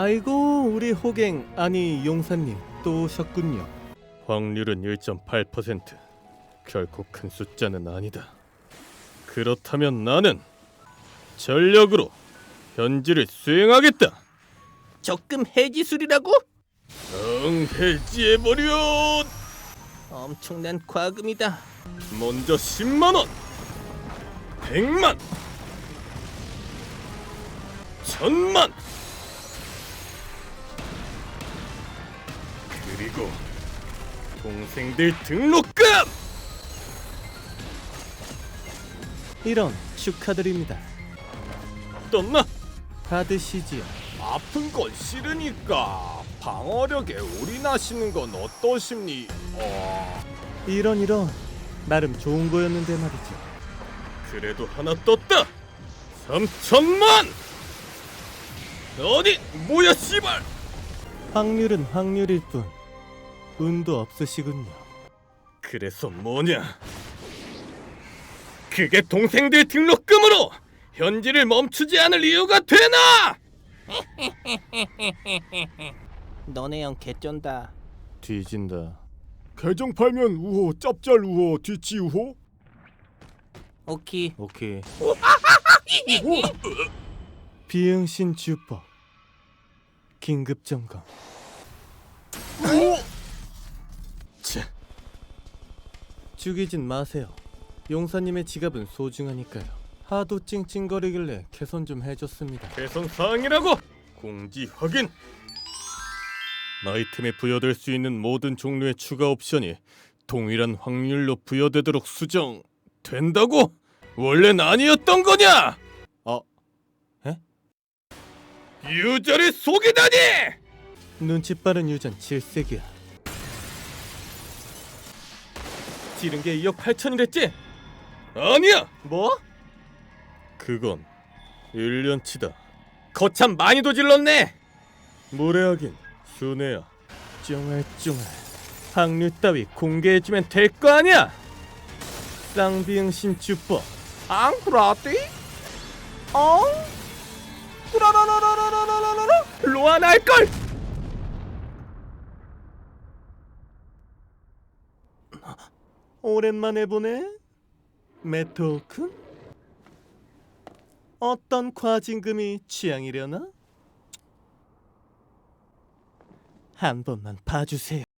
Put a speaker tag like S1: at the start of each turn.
S1: 아이고, 우리 호갱, 아니 용사님 또 오셨군요. 확률은 1.8%. 결코 큰 숫자는 아니다. 그렇다면 나는 전력으로 현지를 수행하겠다.
S2: 적금 해지술이라고?
S1: 해지해버려.
S2: 엄청난 과금이다.
S1: 먼저 10만원, 100만, 1000만, 그리고 동생들 등록금! 이런, 축하드립니다. 떴나? 받으시지요. 아픈 건 싫으니까 방어력에 올인하시는 건 어떠십니? 이런 나름 좋은 거였는데 말이죠. 그래도 하나 떴다. 3천만! 어디 뭐야 씨발! 확률은 확률일 뿐 운도 없으시군요. 그래서 뭐냐? 그게 동생들 등록금으로 현지를 멈추지 않을 이유가 되나?
S2: 너네 형 개쩐다.
S1: 뒤진다.
S3: 계정 팔면 우호, 짭짤 우호, 뒤치 우호?
S2: 오키.
S1: 오케이. 비응신 주법 긴급 점검. 자, 죽이진 마세요. 용사님의 지갑은 소중하니까요. 하도 찡찡거리길래 개선 좀 해줬습니다. 개선 사항이라고? 공지 확인. 아이템에 부여될 수 있는 모든 종류의 추가 옵션이 동일한 확률로 부여되도록 수정된다고? 원래는 아니었던 거냐? 에? 유저를 속이다니! 눈치 빠른 유전 질색이야. 지른 게 2억 8천이랬지? 아니야! 뭐? 그건 1년치다. 거참 많이도 질렀네! 무례하긴 순애야. 쫑알쫑알 확률 따위 공개해주면 될 거 아니야? 쌍비응신 주법.
S2: 앙 그라띠? 어? 그라라라라라라라라
S1: 로아나 할걸! 오랜만에 보네. 메토큰? 어떤 과징금이 취향이려나? 한 번만 봐주세요.